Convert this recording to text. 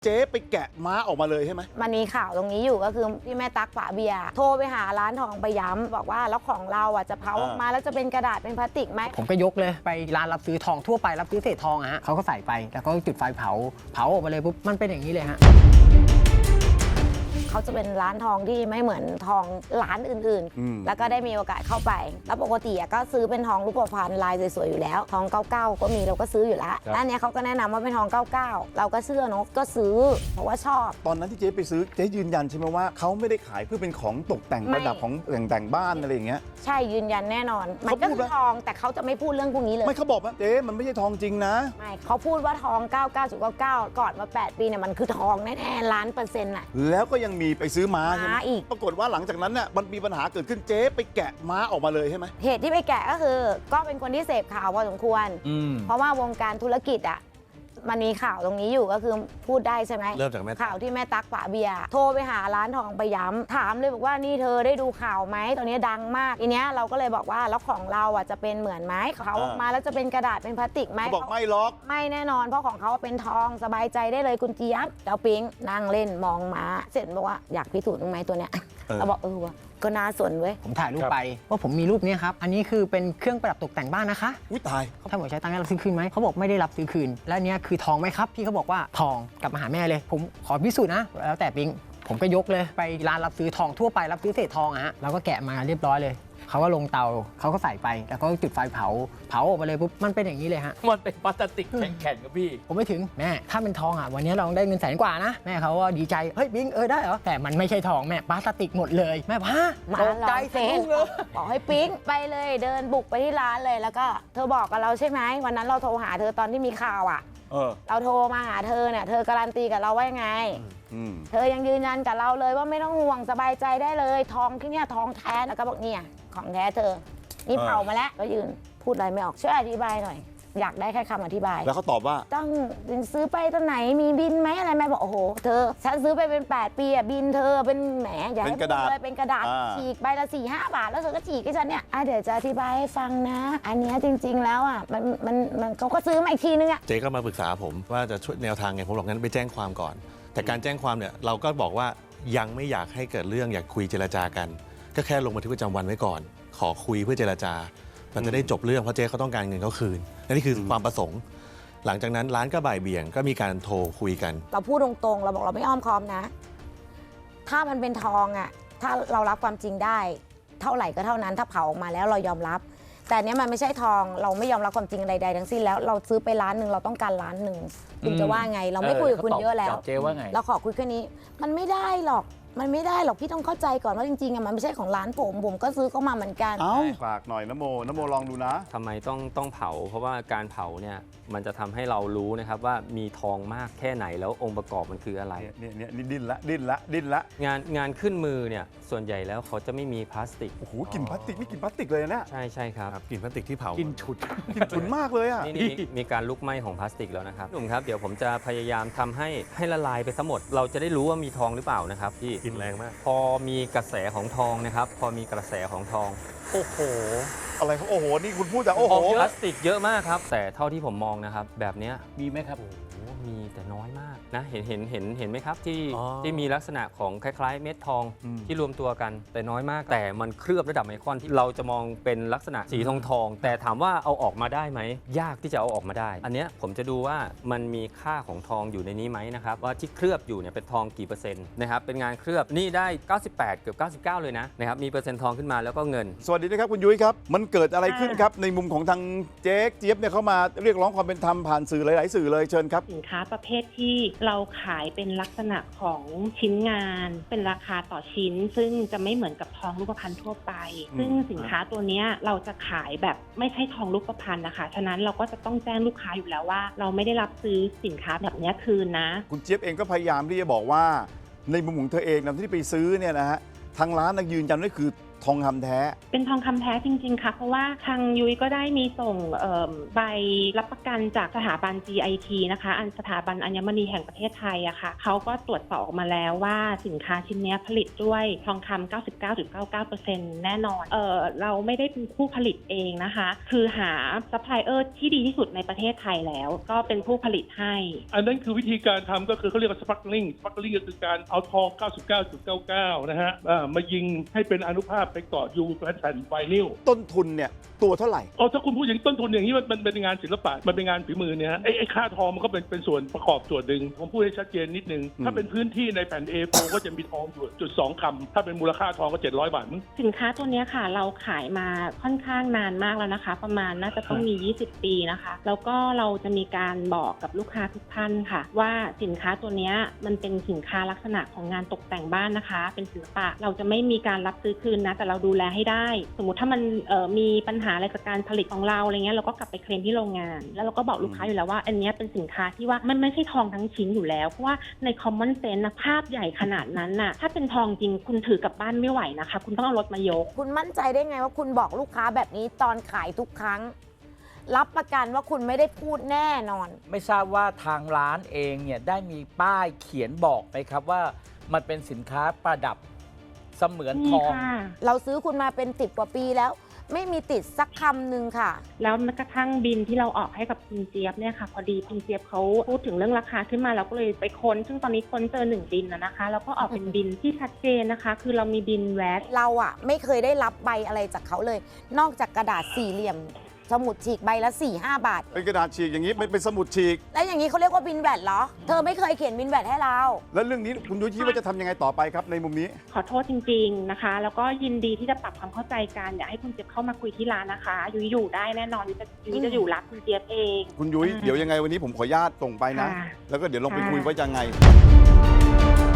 เจ๊ไปแกะม้าออกมาเลยใช่ไหมมันมีข่าวตรงนี้อยู่ก็คือที่แม่ตั๊กฝาเบียร์โทรไปหาร้านทองไปย้ำบอกว่าแล้วของเราอ่ะจะเผาออกมาแล้วจะเป็นกระดาษเป็นพลาสติกไหมผมก็ยกเลยไปร้านรับซื้อทองทั่วไปรับซื้อเศษทองฮะเขาก็ใส่ไปแล้วก็จุดไฟเผาออกมาเลยปุ๊บมันเป็นอย่างนี้เลยฮะเขาจะเป็นร้านทองที่ไม่เหมือนทองร้านอื่นๆแล้วก็ได้มีโอกาสเข้าไปแล้วปกติก็ซื้อเป็นทองรูปพรรณลายสวยๆอยู่แล้วทอง99ก็มีเราก็ซื้ออยู่แล้วแล้วเนี้ยเขาก็แนะนำว่าเป็นทอง99เราก็เชื่อเนอะก็ซื้อเพราะว่าชอบตอนนั้นที่เจ๊ไปซื้อเจ๊ยืนยันใช่ไหมว่าเขาไม่ได้ขายเพื่อเป็นของตกแต่งประดับของแต่งบ้านอะไรอย่างเงี้ยใช่ยืนยันแน่นอนมันก็คือทองแต่เขาจะไม่พูดเรื่องพวกนี้เลยไม่เขาบอกว่าเจ๊มันไม่ใช่ทองจริงนะไม่เขาพูดว่าทอง99.99ก่อนมา8ปีเนี่ยมันคือทองแน่ๆ1,000,000%น่ะแล้วก็ยังมีไปซื้อม้าใช่ไหมอีกปรากฏว่าหลังจากนั้นเนี่ยมันมีปัญหาเกิดขึ้นเจ๊ไปแกะม้าออกมาเลยใช่ไหมเหตุที่ไปแกะก็คือก็เป็นคนที่เสพข่าวพอสมควรเพราะว่าวงการธุรกิจอ่ะมันมีข่าวตรงนี้อยู่ก็คือพูดได้ใช่ไหมเริ่มจากแม่ข่าวที่แม่ตั๊กฝาเบียร์โทรไปหาร้านทองไปย้ำถามเลยบอกว่านี่เธอได้ดูข่าวไหมตอนนี้ดังมากทีเนี้ยเราก็เลยบอกว่าแล้วของเราอ่ะจะเป็นเหมือนไหมเขาออกมาแล้วจะเป็นกระดาษเป็นพลาสติกไหมเขาบอกไม่ล็อกไม่แน่นอนเพราะของเขาเป็นทองสบายใจได้เลยคุณเจี๊ยบเจ้าปิ๊งนั่งเล่นมองม้าเสร็จบอกว่าอยากพิสูจน์ตรงไหมตัวเนี้ยเราบอกวะก็น่าสนเว้ยผมถ่ายรูปไปว่าผมมีรูปนี้ครับอันนี้คือเป็นเครื่องประดับตกแต่งบ้านนะคะอุ้ยตายเขาถามว่าใช้ตังค์รับซื้อคืนไหมเขาบอกไม่ได้รับซื้อคืนแล้วเนี้ยคือทองไหมครับพี่เขาบอกว่าทองกลับมาหาแม่เลยผมขอพิสูจน์นะแล้วแต่ปิ๊งผมก็ยกเลยไปร้านรับซื้อทองทั่วไปรับซื้อเศษทองฮะแล้วก็แกะมาเรียบร้อยเลยเขาก็ลงเตาเขาก็ใส่ไปแล้วก็จุดไฟเผาออกมาเลยปุ๊บมันเป็นอย่างนี้เลยฮะมันเป็นพลาสติกแข็งๆครับพี่ผมไม่ถึงแม่ถ้าเป็นทองอ่ะวันนี้เราได้เงิน100,000 กว่านะแม่เขาก็ดีใจเฮ้ยปิ๊งได้เหรอแต่มันไม่ใช่ทองแม่พลาสติกหมดเลยแม่พาตกใจเสียเลยบอกให้ปิ๊งไปเลยเดินบุกไปที่ร้านเลยแล้วก็เธอบอกกับเราใช่ไหมวันนั้นเราโทรหาเธอตอนที่มีข่าวอ่ะเราโทรมาหาเธอเนี่ยเธอการันตีกับเราว่ายังไงเธอยังยืนยันกับเราเลยว่าไม่ต้องห่วงสบายใจได้เลยทองที่เนี่ยทองแท้แล้วก็บอกเนี่ยของแท้เธอนี่เผามาแล้วก็ยืนพูดอะไรไม่ออกช่วยอธิบายหน่อยอยากได้แค่คำอธิบายแล้วเขาตอบว่าต้องซื้อไปตอนไหนมีบินไหมอะไรแม่บอกโอ้โหเธอฉันซื้อไปเป็น8 ปีอะบินเธอเป็นแหมอย่าให้พูดเลยเป็นกระดาษฉีกใบละ4-5 บาทแล้วเธอก็ฉีกให้ฉันเนี่ยเดี๋ยวจะอธิบายให้ฟังนะอันนี้จริงๆแล้วอ่ะมันเขาก็ซื้อมาอีกทีนึงอ่ะเจ๊ก็มาปรึกษาผมว่าจะช่วยแนวทางไงผมบอกงั้นไปแจ้งความก่อนแต่การแจ้งความเนี่ยเราก็บอกว่ายังไม่อยากให้เกิดเรื่องอยากคุยเจรจากันก็แค่ลงบันทึกประจำวันไว้ก่อนขอคุยเพื่อเจรจามันจะได้จบเรื่องเพราะเจ๊เขาต้องการเงินเขาคืนนี่คือความประสงค์หลังจากนั้นร้านก็บ่ายเบี่ยงก็มีการโทรคุยกันเราพูดตรงๆเราบอกเราไม่อ้อมค้อมนะถ้ามันเป็นทองอ่ะถ้าเรารับความจริงได้เท่าไหร่ก็เท่านั้นถ้าเผาออกมาแล้วเรายอมรับแต่เนี้ยมันไม่ใช่ทองเราไม่ยอมรับความจริงใดๆทั้งสิ้นแล้วเราซื้อไป1,000,000เราต้องการ1,000,000คุณจะว่าไงเราไม่คุยกับคุณเยอะแล้วเราขอคุยแค่นี้มันไม่ได้หรอกพี่ต้องเข้าใจก่อนว่าจริงๆมันไม่ใช่ของร้านผมก็ซื้อเข้ามาเหมือนกันฝากหน่อยนโมลองดูนะทำไมต้องเผาเพราะว่าการเผาเนี่ยมันจะทำให้เรารู้นะครับว่ามีทองมากแค่ไหนแล้วองค์ประกอบมันคืออะไรเนี่ยดิ้นละงานขึ้นมือเนี่ยส่วนใหญ่แล้วเขาจะไม่มีพลาสติกโอ้โหกลิ่นพลาสติกนี่กลิ่นพลาสติกเลยนะใช่ครับกลิ่นพลาสติกที่เผากลิ่นฉุนมากเลยอ่ะนี่มีการลุกไหม้ของพลาสติกแล้วนะครับหนุ่มครับเดี๋ยวผมจะพยายามทำให้ละลายไปทั้งหมดเราจะได้รู้ว่ามีทองหรือเปล่านะครับพี่กลิ่นแรงมากพอมีกระแสของทองนะครับพอมีกระแสของทองโอ้โหอะไรครับโอ้โหนี่คุณพูดแต่โอ้โหพลาสติกเยอะมากครับแต่เท่าที่ผมมองนะครับแบบนี้มีไหมครับมีแต่น้อยมากนะเห็นไหมครับที่มีลักษณะของคล้ายๆเม็ดทองที่รวมตัวกันแต่น้อยมากแต่มันเคลือบระดับไมครอนที่เราจะมองเป็นลักษณะสีทองแต่ถามว่าเอาออกมาได้ไหมยากที่จะเอาออกมาได้อันเนี้ยผมจะดูว่ามันมีค่าของทองอยู่ในนี้ไหมนะครับว่าที่เคลือบอยู่เนี่ยเป็นทองกี่เปอร์เซ็นต์นะครับเป็นงานเคลือบนี่ได้98เกือบ99เลยนะครับมีเปอร์เซ็นต์ทองขึ้นมาแล้วก็เงินสวัสดีนะครับคุณยุ้ยครับมันเกิดอะไรขึ้นครับในมุมของทางเจ๊เจี๊ยบเนี่ยเขามาเรียกร้องความเป็นธรรมผ่านสื่อหลายๆสื่อเลยเชิญครับสินค้าประเภทที่เราขายเป็นลักษณะของชิ้นงานเป็นราคาต่อชิ้นซึ่งจะไม่เหมือนกับทองรูปพรรณทั่วไปซึ่งสินค้าตัวนี้เราจะขายแบบไม่ใช่ทองรูปพรรณนะคะฉะนั้นเราก็จะต้องแจ้งลูกค้าอยู่แล้วว่าเราไม่ได้รับซื้อสินค้าแบบนี้คืนนะคุณเจี๊ยบเองก็พยายามที่จะบอกว่าในมุมของเธอเองนะที่ไปซื้อเนี่ยนะฮะทางร้านยืนยันว่าคือทองคำแท้เป็นทองคำแท้จริงๆค่ะเพราะว่าทางยุ้ยก็ได้มีส่งใบรับประกันจากสถาบัน GIT นะคะสถาบันอัญมณีแห่งประเทศไทยอะค่ะเขาก็ตรวจสอบออกมาแล้วว่าสินค้าชิ้นนี้ผลิตด้วยทองคำ 99.99% แน่นอนเราไม่ได้เป็นผู้ผลิตเองนะคะคือหาซัพพลายเออร์ที่ดีที่สุดในประเทศไทยแล้วก็เป็นผู้ผลิตให้อันนั้นคือวิธีการทำก็คือเขาเรียกว่าสปาร์คลิงก็คือการเอาทอง 99.99 นะฮะมายิงให้เป็นอนุภาคไปเกาะอยู่แผ่นไวนิลต้นทุนเนี่ยตัวเท่าไหร่ถ้าคุณพูดอย่างต้นทุนอย่างนี้มันเป็นงานศิลปะมันเป็นงานฝีมือเนี่ยไอ้ค่าทองมันก็เป็นส่วนประกอบส่วนหนึ่งผมพูดให้ชัดเจนนิดนึงถ้าเป็นพื้นที่ในแผ่น A4 ก็จะมีทองอยู่0.2 คำถ้าเป็นมูลค่าทองก็700 บาทมั้งสินค้าตัวนี้ค่ะเราขายมาค่อนข้างนานมากแล้วนะคะประมาณน่าจะต้องมี20 ปีนะคะแล้วก็เราจะมีการบอกกับลูกค้าทุกท่านค่ะว่าสินค้าตัวนี้มันเป็นสินค้าลักษณะของงานตกแต่งบ้านนะคะเป็นศิลปะเราจะไม่มีการรับซื้อคืนนะแต่เราดูแลให้ได้สมมุติถ้ามันมีปัญหาอะไรจากการผลิตของเราอะไรเงี้ยเราก็กลับไปเคลมที่โรงงานแล้วเราก็บอกลูกค้าอยู่แล้วว่าอันนี้เป็นสินค้าที่ว่ามันไม่ใช่ทองทั้งชิ้นอยู่แล้วเพราะว่าใน common sense นะภาพใหญ่ขนาดนั้นน่ะถ้าเป็นทองจริงคุณถือกลับบ้านไม่ไหวนะคะคุณต้องเอารถมายกคุณมั่นใจได้ไงว่าคุณบอกลูกค้าแบบนี้ตอนขายทุกครั้ง รับประกันว่าคุณไม่ได้พูดแน่นอนไม่ทราบว่าทางร้านเองเนี่ยได้มีป้ายเขียนบอกไหมครับว่ามันเป็นสินค้าประดับเสมือนทองเราซื้อคุณมาเป็น10 กว่าปีแล้ว ไม่มีติดสักคำหนึ่งค่ะแล้วแม้กระทั่งบินที่เราออกให้กับคุณเจี๊ยบเนี่ยค่ะพอดีคุณเจี๊ยบเขาพูดถึงเรื่องราคาขึ้นมาเราก็เลยไปค้นซึ่งตอนนี้ค้นเจอ1 บินนะคะแล้วก็ออกเป็นบินที่ชัดเจนนะคะ คือเรามีบินแวตเราอะไม่เคยได้รับใบอะไรจากเขาเลย นอกจากกระดาษสี่เหลี่ยม สมุดฉีกใบละ 4-5 บาทเป็นกระดาษฉีกอย่างนี้เป็นสมุดฉีกแล้วอย่างนี้เขาเรียกว่าบินแวดเหรอ เธอไม่เคยเขียนบินแวดให้เราแล้วเรื่องนี้คุณยุ้ยคิดว่าจะทำยังไงต่อไปครับในมุมนี้ขอโทษจริงๆนะคะ แล้วก็ยินดีที่จะปรับความเข้าใจกันอยากให้คุณเจี๊ยบเข้ามาคุยที่ร้านนะคะยุ้ยอยู่ได้แน่นอนยุ้ยจะอยู่รับคุณเจี๊ยบเองคุณยุ้ยเดี๋ยวยังไงวันนี้ผมขออนุญาตส่งไปนะค่ะแล้วก็เดี๋ยวลองไปคุยว่ายังไง